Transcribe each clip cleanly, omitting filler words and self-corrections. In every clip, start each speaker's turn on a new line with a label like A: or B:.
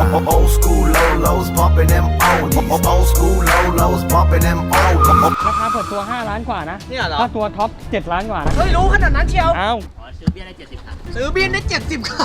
A: Old school Lolos bumping them oldies. Old school Lolos bumping them oldies.
B: ราคาเปิดตัว5ล้านกว่านะ
C: เนี่ยเหรอ
B: ถ้าตัวท็อป7ล้านกว่านะ
C: เฮ้ยรู้ขนาดนั้นเชียว
B: อ้าว
D: ซื้อเบี้ยได้70ครับ
C: ซื้อบินได้70ครับ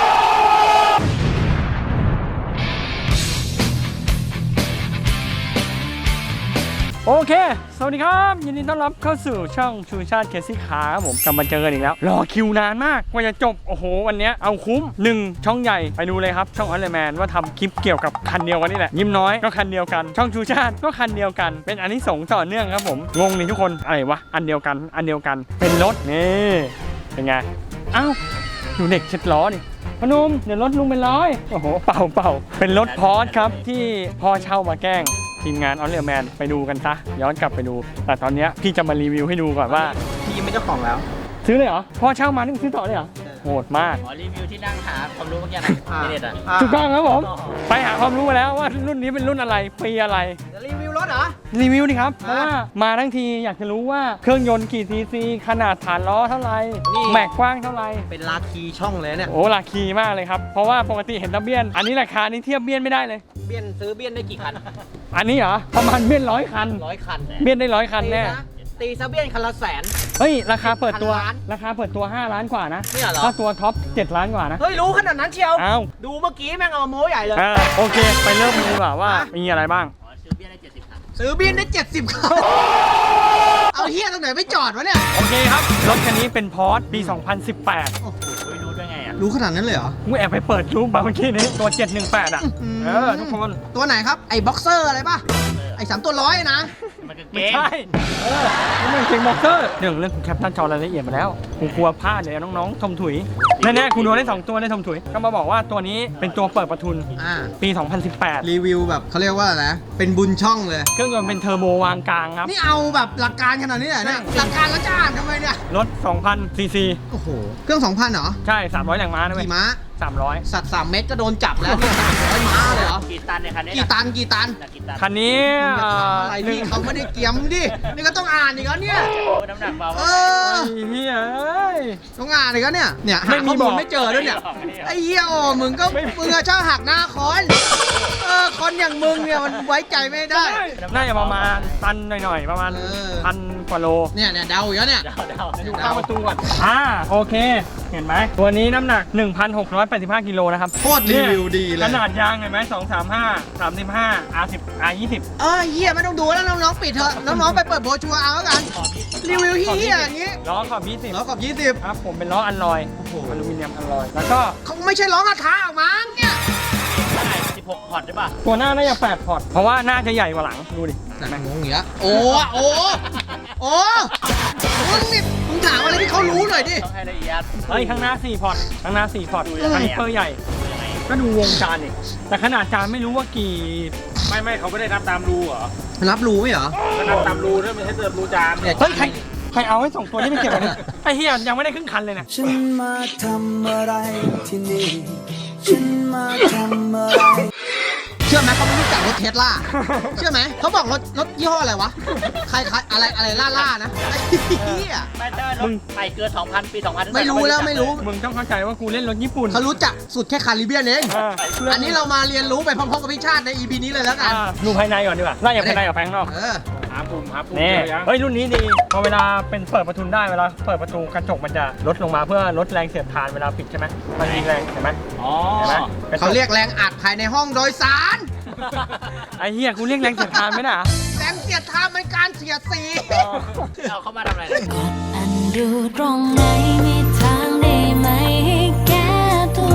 B: โอเค สวัสดีครับยินดีต้อนรับเข้าสู่ช่องชูชาติเคซี่คาร์ครับผมกลับมาเจอกันอีกแล้วรอคิวนานมากกว่าจะจบโอ้โหวันนี้เอาคุ้ม1ช่องใหญ่ไปดูเลยครับช่องออลเลแมนว่าทำคลิปเกี่ยวกับคันเดียวกันนี่แหละยิ้มน้อยก็คันเดียวกันช่องชูชาติก็คันเดียวกันเป็นอันนี้ส่งต่อเนื่องครับผมงงนี่ทุกคนอะไรวะอันเดียวกันเป็นรถนี่เป็นไงเอ้าดูเด็กเช็ดล้อดิพนมเดี๋ยวรถลุงเป็นร้อยโอ้โหเป่าเป็นรถพอร์ชครับที่พ่อเช่ามาแกล้งทีมงานออลเลแมนไปดูกันซะย้อนกลับไปดู แต่ตอนนี้พี่จะมารีวิวให้ดูก่อนว่า
C: พี่ไม่เจ้าของแล้ว
B: ซื้อเลยเหรอพ่อเช่ามานี่มึงซื้อต่อเลยเหรอโหดมาก
D: ขอรีวิวที่นั่งหาความรู้เมื่อกี้นะในเน็ตอ่ะ
B: ถูกต้องครับผมไปหาความรู้มาแล้วว่ารุ่นนี้เป็นรุ่นอะไรปีอะไร
C: จะรีวิวรถเหรอ
B: รีวิวดิครับเพราะว่ามาทั้งทีอยากจะรู้ว่าเครื่องยนต์กี่ซีซีขนาดฐานล้อเท่าไหร่
C: นี่
B: แม็กกว้างเท่าไหร่
C: เป็นลาคีช่องเลยเนี่ย
B: โอ้ราคีมากเลยครับเพราะว่าปกติเห็นตะเบียน อันนี้ราคานี้เทียบเบียนไม่ได้เลย
C: เบี้ยนซื้อเบี้ยนได้กี่คัน
B: อันนี้เหรอประมาณเบียน100 คัน
C: 100 คัน
B: เบียนได้100 คันแน่
C: ตีซะเบี้ยนคันละแสน
B: เฮ้ยราคาเปิดตัว
C: พันล้าน
B: ราคาเปิดตัว5ล้านกว่านะ
C: เนี่ยเหรอ
B: ถ้าตัวท็อป7ล้านกว่านะ
C: เฮ้ยรู้ขนาดนั้นเชียว
B: อ้าว
C: ดูเมื่อกี้แม่งเอาโม้ใหญ่เลย
B: โอเคไปเริ่มกันดีกว่าว่ามีอะไรบ้าง
D: ขอซื้อเบี้ยได้70ครับ
C: ซื้อบินได้70ครับเอาเฮียตรงไหนไม่จอดวะเนี่ย
B: โอเคครับ รถคันนี้เป็นพอร์ตปี 2018
C: โอ้โห
D: รู้ด้วยไงอ่ะ
C: รู้ขนาดนั้นเลยเหรอ
B: กูแอบไปเปิดรูปมาเมื่อกี้นี้ตัว 718 อ่ะ ทุกคน
C: ตัวไหนครับไอ้บ็อกเซอร์อะไรป่ะไอ้3 ตัวร้อยนะ
D: มันกางเก
B: ไม่
D: ง
B: ใช่นี่มันเก่งบ็อกเซอร์เรื่องกูแคปหน้าจอรายละเอียดมาแล้วกูกลัวพลาดเลยน้องๆทมถุยแน่ๆกูโดนได้2ตัวได้ทมถุยก็มาบอกว่าตัวนี้เป็นตัวเปิดประทุน
C: อ่า
B: ปี 2018
C: รีวิวแบบเขาเรียกว่าอะไรนะเป็นบุญช่องเลย
B: เครื่องยนต์เป็นเทอร์โบวางกลางครับ
C: นี่เอาแบบหลักการขนาดนี้เหรอเนี่ย หลักการแล้วจะอ่านทำไมเนี่ย
B: รถ 2,000 ซีซี
C: โอ้โห เครื่อง 2,000เหรอ
B: ใช่ 300 แรงม้านะเว้ย
C: กี่ม้า
B: 300
C: สัตว์3 เม็ดก็โดนจับแล้วเนี่ย300 ม้าเลยเหรอ
D: กี่ตันในคันนี้
C: กี่ตัน กี่ตัน
D: กี่ตัน
B: คันนี้
C: อะไรพี่เขาไม่ได้เกียมดิ นี่ก็ต้องอ่านอีกแล้วเนี่ย
D: โอ้น้ำหนักเบา
C: เออ
B: ไอ้เหี้ยเอ้ย
C: ต้องอ่านอีกแล้วเนี่ย เนี่ยหา
B: ไม่มี
C: ข้อ
B: บ
C: มู
B: อ
C: ล
B: ก
C: ไม่เจอด้วยเนี่ย ไอ้เหี้ยโอ้มึงก็มึงอะชอบหักหน้าคอนคนอย่างมึงเนี่ยมันไว้ใจไม่ได้
B: น่าจะประมาณตันหน่อยๆ ประมาณ
C: เออ
B: 1,000 กว่าโล
C: เนี่ยเดาอีกแล้วเนี่ย
D: เดา
B: อยู่ข้างประตูก่อนโอเค เห็นไหม ตัวนี้น้ำหนัก 1,685 กิโลนะครับ
C: โคตรรีวิวดีเลย
B: ขนาดยางเห็นไหม235 35 R10 R20
C: เฮียไม่ต้องดูแล้วน้องๆปิดเถอะ น้องๆไปเปิดโบรชัวร์เอาแล้วกัน รีวิวเฮียอย่างงี้
B: ล้อขอบ
C: ล้อ
B: 20
C: ขอบ
B: ครับผมเป็นล้ออัลลอย
C: โอ้โห
B: อลูมิเนียมอัลลอย แล้วก็
C: 20เขาไม่ใช่ล้อกระทะออกมาเนี่ย
D: ได้16พอร์ตได้ป่ะ
B: ตัวหน้าน่าจะ8พอร์ต เพราะว่าน่าจะใหญ่กว่าหลัง ดูดิ
C: แต่งงอย่างเงี้ยโอ้มึงนี่มึงถามอะไรที่เขารู้หน่อยดิ
D: ต้องให้ละเอียด
B: เฮ้ย ข้างหน้า 4 พอร์ต ข้างหน้า 4 พอร์ตคันนี้เปอร์ใหญ่ ก็ดูวงจานดิแต่ขนาดจานไม่รู้ว่ากี่
E: ไม่เขาไม่ได้นับตามรูเหรอ
C: รับรู้ไหมเหรอ
E: ก็นับตามรูด้วยไม่ใช่เติมรูจาน
C: เนี่ย
B: เฮ้ย ใครเอาให้2ตัวนี้ไปเก็บไว้เนี่ยไอ้เฮียยังไม่ได้ครึ่งคันเลยนะ
F: ฉันมาทำอะไรที่นี่ ฉันมาทำอะไร
C: เชื่อไหมเขาไม่รู้จักรถเทสลาเชื่อไหมเขาบอกรถยี่ห้ออะไรวะใครอะไรล่านะไอ้เหี้ย
D: ไม่ใช่รถใหม่เกิน 2,000 ปี 2000
C: ไม่รู้แล้วไม่รู้
B: มึงต้องเข้าใจว่ากูเล่นรถญี่ปุ่น
C: เขารู้จักสุดแค่คาริเบียนเอง อันนี้
B: เรา
C: เรามาเรียนรู้ไปพร้อมๆกับพี่ชาติใน EP นี้เลยแล้วกัน
B: ดูภายในก่อนดีกว่าไล่จากภายในกับภายข้างนอก
E: หาปุ่มเจ
B: นี่
E: อยัง
B: เฮ้ยรุ่นนี้ดีพอเวลาเป็นเปิดประตูได้เวลาเปิดประตูกระจกมันจะลดลงมาเพื่อลดแรงเสียดทานเวลาปิดใช่ไหมมันมีแรงเห็นไหม
D: อ๋อ
B: เห็นไหมกะจ
C: เขาเรียกแรงอัดภายในห้องโดยสาร
B: ไอ้เหี้ยกูเรียกแรงเสียดทานไหมน่ะ
C: แรงเสียดทานเป็นการเสียดสี
D: เอาเข้ามาทำอะไร
G: อันดูตรงไหนมีทางได้ไหมให้แก้ตัว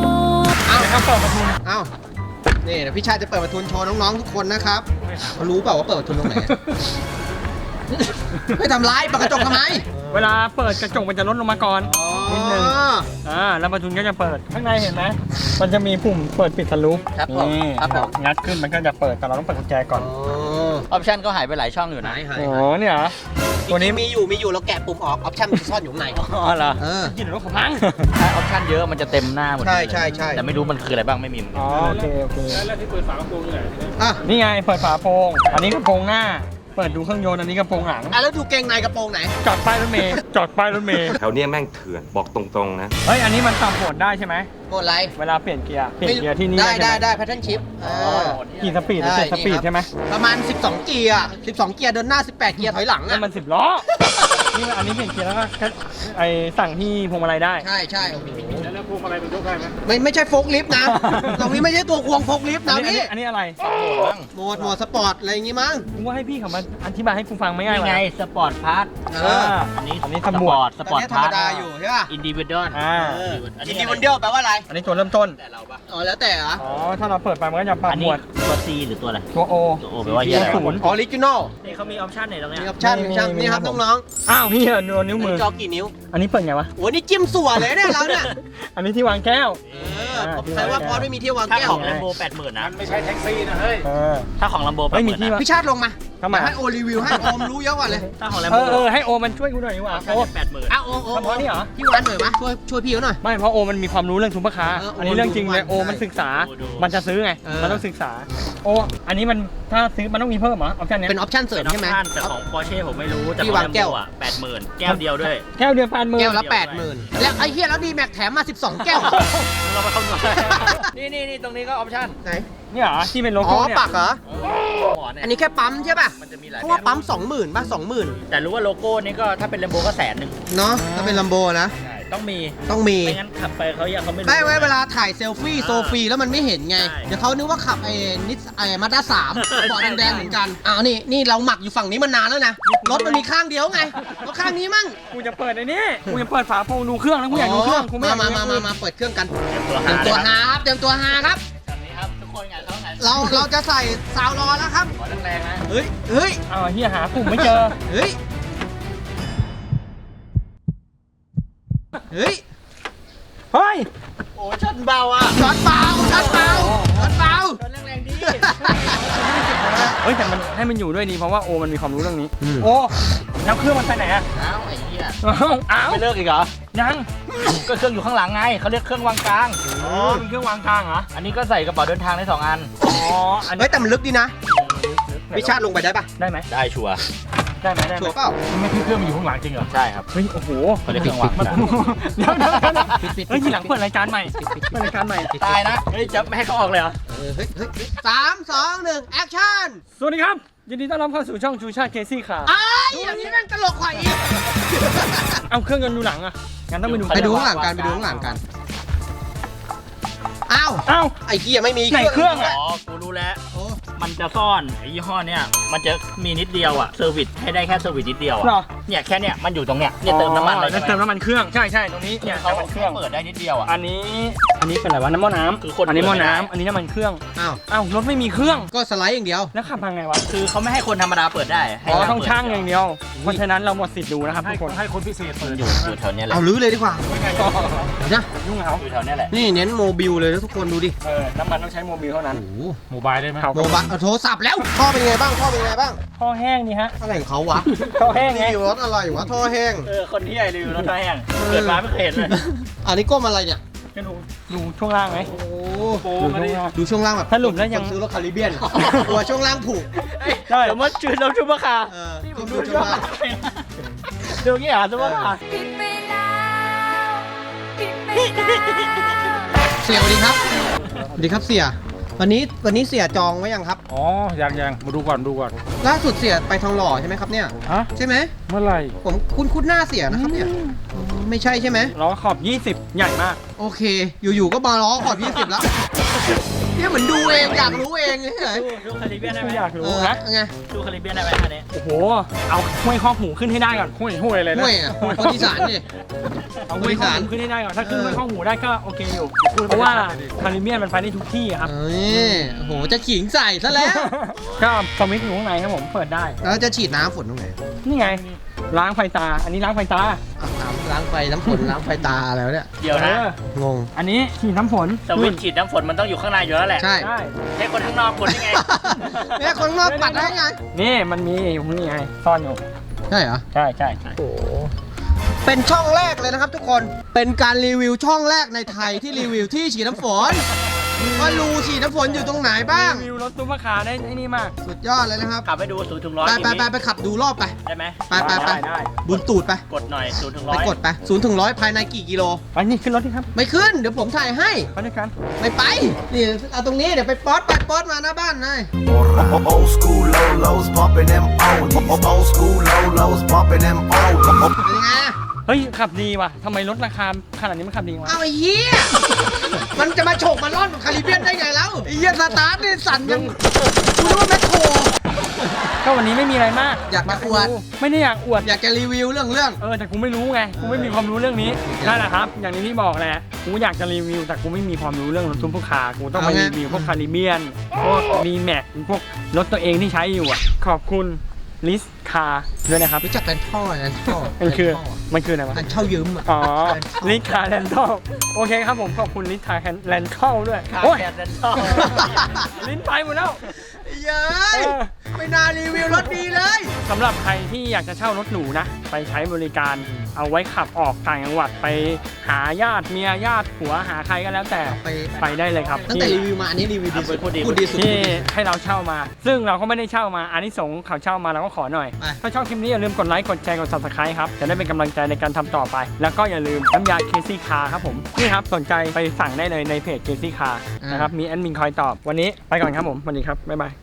C: เอา
B: เดี๋ยวครับเปิดประตู
C: เอานี่เดี๋ยวพี่ชาติจะเปิดประทุนโชว์น้องๆทุกคนนะครับเขารู้เปล่าว่าเปิดประทุนตรงไหน ไม่ทำร้ายเปิดกระจกทำไม
B: เวลาเปิดกระจกมันจะลดลงมาก่อนนิดนึงแล้วประตูก็จะเปิดข้างในเห็นไหมมันจะมีปุ่มเปิดปิดสลูป
D: ครับผม
B: นี่
D: ครับผม
B: งัดขึ้นมันก็จะเปิดแต่เราต้องเปิดกุญแจก่อน
D: ออปชั่นก็หายไปหลายช่องอยู่นะ
B: โอ้เนี่ยเหรอตัวนี้
C: มีอยู่เราแกะปุ่มออกออปชั่นมันซ่อนอยู่ข้างใน
D: อ๋อเหรอ
B: ยินรถขพัง
D: ถ้าออปชั่นเยอะมันจะเต็มหน้าหมด
C: ใช่
D: เลย
C: ใช่
D: แต่ไม่รู้มันคืออะไรบ้างไม่มี
B: อ๋อโอเค
E: แล้วที่เปิดฝากระโปรงอยู่ไหน
C: อ่ะ
B: นี่ไงเปิดฝาโปร่งอันนี้กระโปรงหน้าเปิดดูเครื่องยนต์อันนี้กระโปรงหลัง
C: อ่ะแล้วดูเกงในกระโปรงไหน
B: จอดป้ายรถเมย์จอดป้ายรถเมย์
H: แถวเนี้ยแม่งเถื่อนบอกตรงๆนะ
B: เฮ้ยอันนี้มันปรับโหมดได้ใช่ไหม
C: โหมดอะไร
B: เวลาเปลี่ยนเกียร์ที่นี่
C: ได้
B: ใช่หม
C: ได้แพทเทิร์นชิป
B: กี่สปีดหรือ7สปีดใช่ไหม
C: ประมาณ 12 เกียร์ 12 เกียร์เดินหน้า 18 เกียร์ถอยหลัง
B: นั่
C: อ่ะ
B: นมัน10 ล้อ นี่อันนี้เปลี่ยนเกียร์แล้วก็ไอสั่งที่พวงมาลัยได้
C: ใช่ใช่โอ้โห
E: แล้วพวงมาลัยมันยกได้ไหม
C: ไม่ใช่โฟล์คลิฟต์นะ ตรงนี้ไม่ใช่ตัวควงโฟล์คลิฟต์นะพี่
B: อันนี้อะไร
C: โหมดสปอร์ตอะไรอย่างงี้มั้ง
B: ผมว่าให้พี่เขามาอธิบายให้กูฟังไม่ง่าย
D: นี่
B: กว่า
D: ไงสปอร์ตพาร์ท
C: เออ
D: อันนี้
B: อันนี้
D: ส
B: ส
D: ป
B: ปอ
D: อ
B: ร์
D: ร์
B: ต
D: ตสปอร์ต
C: ธรร
D: พาม ร์ท
C: ดาอยู่ใช่ป่ะ
D: อินดิวิดอล
B: อ่า
D: อัน
C: อิ
D: นี้
C: นดิวันเดียลแปลว่าอะไร
B: อันนี้ตัวเริ่มต้น
C: อ๋อแล้วแต่เหรอ
B: อ๋อ ถ้าเราเปิดไปมันก็จะปรับ
D: อัน
B: หม
D: นี้
B: วด
D: ตัว C หรือตัวอะไร
B: ตัว O
D: ตัว O แปลว่าเหี้ยอะไร
B: ศูนย์
C: ออริจินอล
D: นี่เขามีออปชั่นไหนตรงเนี้ย
C: มีออปชั่นนี่ครับน้อง
B: อ้าวพี่เหรอนิ้ว
C: ๆ
B: มือ
C: จอกี่นิ้ว
B: อันนี้เปิดไงวะ
C: โอ้นี่จิ้มสัวเลยเนี่ยเราเนี่ย
B: อันนี้ที่วางแก้ว
C: ใครว่าพอไม่มีที่วาง
D: ถ้า
C: แก้ว
D: ของแลมโบ80,000นะ
E: มันไม่ใช่แท็กซี่นะเฮ้ย
D: ถ้าของแลมโบ
B: ไม่มี
D: 80,000
B: ที่
D: นะ
B: วาง
C: พี่ชาติลงมา
B: ทำไม
C: ให้โอรีวิวให้โอมรู้เยอะกว่าเลย
D: ถ้าของแลม
B: เอ
D: โบ
B: อให้โอมันช่วยกูหน่อยดีกว่า
D: ออปชั่น
B: โอ
D: จะ80,000
C: อ้าวโอ
B: เฉพาะนี่เหรอ
C: พี่วันหน่อยมะช่วยพี่เขาหน่อย
B: ไม่เพราะโอมันมีความรู้เรื่องซุปเปอร์คาร์
C: เออโอ
B: อันนี้เรื่องจริงเลย
C: รู้
B: โอมันศึกษา
D: ดู
B: มันจะซื้อไง
C: เออ
B: มันต้องศึกษา โออันนี้มันถ้าซื้อมันต้องมีเพิ่มเหรอออปชั่นเนี้ย
C: เป็นออปชั่นเสริ
D: เป็
C: ม
D: นออ
C: ใช่
D: ป
C: ไหม
D: ชั่นแต่ของ Porsche ผมไม่รู้แต่
C: ที่
D: ของ
C: วาง
D: แลม
C: แก้
D: โบ
C: ว
D: อ่ะ80,000 แก้วเดียวด้วย
B: แก้วเดือน80,000
C: แก้วละ 80,000แล้วไอ้เฮียแล้วดีแม็กแถมมา 12 แก้ว
D: เราไปคำนวณนี่ตรงนี้ก็ออปชั่น
C: ไหน
B: นี่เหรอที่เป็นโล
C: อ๋
B: โก้
C: อ
B: เนี่ย
C: ปักเหรอ
D: หมอนเนี่ย
C: อันนี้แค่ปั๊มใช่ป่ะ
D: มันจะมีหลาย
C: เพราะ
D: แบ
C: ว่า
D: บ
C: ปั๊ม 20,000ป่ะ 20,000
D: แต่รู้ว่าโลโก้นี้ก็ถ้าเป็นแลมโบก็100,000
C: เนาะถ้าเป็นลัมโบนะ
D: ใช่ต้องมี
C: ต้องมี
D: ไม่งั้นขับไปเขายังเขาไม่รู้
C: ไม่ไว้เวลาถ่ายเซลฟี่โซฟีแล้วมันไม่เห็นไง
D: ใช่
C: เดี๋ยวเขานึกว่าขับไอ้นิสมาด้า3 บอดแดงๆเหมือนกันอ้าวนี่เราหมักอยู่ฝั่งนี้มานานแล้วนะ รถมันมีข้างเดียวไงรถข้างนี้มั่ง
B: กูจะเปิดไอ้นี่กูจะเปิดฝาโปรงดูเครื่องแล้วกูอยากดูเครื่องกูไม่อยากดู
C: มาเปิดเครื่องกัน
D: เตรียมตัว
C: เตรียมตัวหาครับเตรียมตัวหาครับ
D: แบบนี้ครับทุกคนไงต้องไง
C: เราจะใส่ซาวรอแล้วครับ
D: ขอแรงๆนะ
C: เฮ้ย
B: เอาเฮียหาปุ่มไม่เจอ
C: เฮ้ย
B: เฮ้ย
D: โอ้ชนเบาอ่ะ
C: ช็อตเบา
D: แรงๆดี
B: เฮ้ยแต่มันให้มันอยู่ด้วยดีเพราะว่าโอมันมีความรู้เรื่องนี้ โอแล้วเครื่องมันไปไหนอะ
D: อ้าวไอ้เหี้ย
B: อ้าว
D: ไม่เลิกอีกเหรอ
B: ยัง
D: ก็เครื่องอยู่ข้างหลังไงเขาเรียกเครื่องวางกลาง
B: อ๋อเป็นเครื่องวางกลางเหรอ
D: อันนี้ก็ใส่กระเป๋าเดินทางได้2 อัน
B: อ๋ออัน
C: เฮ้ยแต่มันลึกดีนะพี่ชาติลงไปได้ปะ
B: ได้ไหม
D: ได้ชัวร์
B: ได้ไหมได้ไห
C: ชั
B: ม
C: วร์เปล่า
B: ไม่คือเครื่องมันอยู่ข้างหลังจริงเหรอ
D: ใช่ครับ
B: เฮ้ยโอ้โห
D: เขาเรียกเครื่องวางกลาง
B: เดี๋ยวเฮ้ยทีหลังเปิดรายการใหม่เปิดรายการใหม่
D: ตายนะเฮ้ยจะไม่ให้เขาออกเลยเหรอ
C: เฮ้ย3 2 1แอคชั่น
B: สวัสดีครับยินดีต้อนรับเข้าสู่ช่องชูชาติเคซี่ค่ะ
C: ไอ้อย่างนี้แม่งตลกกว่าอีก
B: เอาเครื่องยนต์ดูหลังอะงั้นต้องไปดู
C: ไปดูข้างหลังกันอ้าว
B: เอ้า
C: ไอ้เกียไม่มี
B: ไหนเครื่องอะ
D: อ๋อ กูรู้แล้ว
C: โอ้
D: มันจะซ่อนไอ้ยี่ห้อเนี้ยมันจะมีนิดเดียวอะเซอร์วิสให้ได้แค่เซอร์วิสนิดเดียว
B: เหรอ
D: อะเนี่ยแค่เนี้ยมันอยู่ตรงเนี้ยเนี่ยเติมน้ำมันเลย
B: อ๋อเติมน้ำมันเครื่องใช่ตรงนี้เนี่ย
D: เขา
B: น้ำมันเครื่อง
D: เปิดได้นิดเดียวอะ
B: อันนี้เป็นอะไรวะน้ำมันน้ำ
D: คือคน
B: อันนี้หม้อ
D: เปิดไม่ได้
B: น้ำอันนี้น้ำมันเครื่อง
C: อ้าว
B: อ้าวรถไม่มีเครื่อง
C: ก็สไลด์อย่างเดียว
B: แล้วขับทางไงวะ
D: คือเขาไม่ให้คนธรรมดาเปิดได้ให้
B: อ๋อ
D: เรา
B: ต้อง
D: เปิด
B: ช่างอย่างเดียวเพราะฉะนั้นเราหมดสิทธิ์ดูนะครับทุกคน
E: ให้คนพิเศษเปิด
D: อยู่แถวเนี้ยแหละ
C: เอาลื้อเลยดีกว่านะ
B: ยุ่งเขา
D: อยู่แถวเนี้ยแหละ
C: นี่เน้นโมบิลเลยนะทุกคนดูดิ
B: น้ำมันต้องใช้โมบิลเท่านั้น
C: โอ้โห
E: โมบายได้ไหม
C: โมบะโทรศัพท์แล้วท่อเป็นไงบ้าง
B: ท่อแห้งนี่ฮะ
C: อะไรของเขาวะ
B: ท่อแห้งไง
C: รีวิวรถอะไรวะท่อแห้ง
D: คนที่ใหญ่รีวิวรถไฟแห้งเกิดมาไม่เคยเห็นเลย
C: อันนี้ก้มอะไรเนี่ย
B: ก็ดูช่วงล่างไหม
C: โอ้
E: โอ้
B: ดู
E: มา
B: ช่ว
E: ดิ
B: งล่าง
C: ดูช่วงล่างแบบ
B: สรุปแล้วยัง
C: คนซื้อรถคาริเบียนกลัวช่วงล่างผูก
B: ใช่
D: สมมติชื่อเราชุบะคา
C: เออดูช่วงล่าง
D: ดูงี้อ่ะชุบะคา
G: ผิดไปแล้วผิดไปแล้ว
C: เสียสวัสดีครับสวัสดีครับเสีย วันนี้เสียจองไว้ยังครับ
E: อ๋อยังมาดูก่อน
C: ล่าสุดเสียไปทองหล่อใช่ไหมครับเนี่ย
E: ฮะ
C: ใช่ไหม
E: เมื่อไหร่
C: ผมคุ้นหน้าเสียนะครับเนี่ยไม่ใช่ใช่ไหม
B: ล้อขอบ 20 ใหญ่มาก
C: โอเค อยู่ๆก็มาล้อขอบ20แล้วเนี่ยเหมือนดูเองอยากรู้เองเฉย
D: ดูคาริเบียนได้ไหม
B: อยาก
C: ๆ
B: รู้นะ
C: ไง
D: ดูคาริเบียนได้ไหมอันนี้
B: โอ้โหเอาห้วยข้อหูขึ้นให้ได้ก่อน
E: ห้วยเลยนะ
C: ห่วยอ่ะคนอีสานนี่
B: เอาห้วยข้อหูขึ้นให้ได้ก่อนถ้าขึ้นห้วยข้อหูได้ก็โอเคอยู่เพราะว่าคาริเบียนมันไปได้ทุกที่อะครับ
C: เอ้ยโอ้โหจะขิงใส่ซะแล้ว
B: ก็สวิตช์อยู่ข้างในครับผมเปิดได้
C: แล้วจะฉีดน้ำฝนตรงไหน
B: นี่ไงล้างไฟตา อันนี้ล้างไฟตา
C: อาบน้ำล้างไฟน้ำฝนล้างไฟตาแล้วเนี่ย
D: เดี๋ยวนะ
C: งง
B: อันนี้ฉีดน้ำฝน
D: สวิตช์ฉีดน้ำฝนมันต้องอยู่ข้างในอยู่แล้วแหละ
C: ใช่
B: ใช่
D: ให้คนข้างนอกคนยังไง
C: เนี่ยคนนอกปัดได้ไง
B: นี่มันมีอยู่นี่ไงซ่อนอยู่
C: ใช่เหรอ
B: ใช่
C: โอ้เป็นช่องแรกเลยนะครับทุกคน เป็นการรีวิวช่องแรกในไทยที่รีวิวที่ฉีดน้ำฝนว่ารูฉีดน้ำฝนอยู่ตรงไหนบ้าง
B: รีวิวรถซุปเปอร์คาร์ได้ไอ้นี่มาก
C: สุดยอดเลยนะครับ
D: ขับไปดู0 ถึง 100
C: ไปขับดูรอบไป
D: ได้ไหม
C: ไป
B: ได้
C: บุญตูดไป
D: กดหน่อย0 ถึง
C: ไปกด
D: 100
C: ไป0 ถึง 100ภายในกี่กิโล
B: ไปนี่ขึ้นรถที่ครับ
C: ไม่ขึ้นเดี๋ยวผมถ่ายให้
B: ไปด้วยกัน
C: ไม่ไปนี่เอาตรงนี้เดี๋ยวไปป๊อตมาหน้าบ้านเลย
A: Old school lolos bumping them oldies. Old school lolos bumping them oldies.
C: เป็นยังไง
B: เฮ้ยขับดีว่ะทำไมรถราคาขนาดนี้มันขับดีวะ
C: เอาไอ้เหี้ยมันจะมาโฉกมาล่อนกับคาริเบียนได้ไงแล้วไอ้เหี้ยสตาร์ทนี่สั่นยังดูว่าแมคโคร
B: ก็วันนี้ไม่มีอะไรมาก
C: อยากจะอวด
B: ไม่ได้อยากอวด
C: อยากจะรีวิวเรื่อง
B: แต่กูไม่รู้ไง กูไม่มีความรู้เรื่องนี้ นั่นแหละครับ อย่างที่บอกแหละ กูอยากจะรีวิว แต่กูไม่มีความรู้เรื่องรถซุปเปอร์คาร์ กูต้องไปรีวิวพวกคาริเบียน พวกรีแม็กพวกรถตัวเองที่ใช้อยู่อ่ะ ขอบคุณลิสคาร์ด้วยนะครับ
C: รู้จักแรนท่อ
B: มันคืออะไรวะ
C: อันเช่ายืมอ่ะ
B: อ๋อ ลิสคาร์แลนทอลโอเคครับผมขอบคุณลิสคาร์แลนทอลด้วย
D: ขา
B: โอ้ย
D: แดดแดนชอบ
B: ลิ้นไปหมดแล้ว
C: เย้ยไม่น่ารีวิวรถดีเลย
B: สำหรับใครที่อยากจะเช่ารถหรูนะ ไปใช้บริการเอาไว้ขับออกต่างจังหวัดไปหาญาติเมียญาติผัวหาใครก็แล้วแต่
C: ไป
B: ได้เลยครับ
C: ตั้งแต่รีวิวมาอันนี้รีวิวดีสุดพูดดีสุด
B: ที่ให้เราเช่ามา ซึ่งเราก็ไม่ได้เช่ามาอานิสงส์เขาเช่ามาเราก็ขอหน่อย
C: ไป
B: ถ้าชอบคลิปนี้อย่าลืมกดไลค์กดแชร์กด subscribe ครับจะได้เป็นกำลังใจในการทำต่อไป แล้วก็อย่าลืมน้ำยา Casey Car ครับผมนี่ครับสนใจไปสั่งได้เลยในเพจ Casey Car นะครับมีแอดมินคอยตอบวันนี้ไปก่อนครับผมสวัสดีครับบ๊ายบาย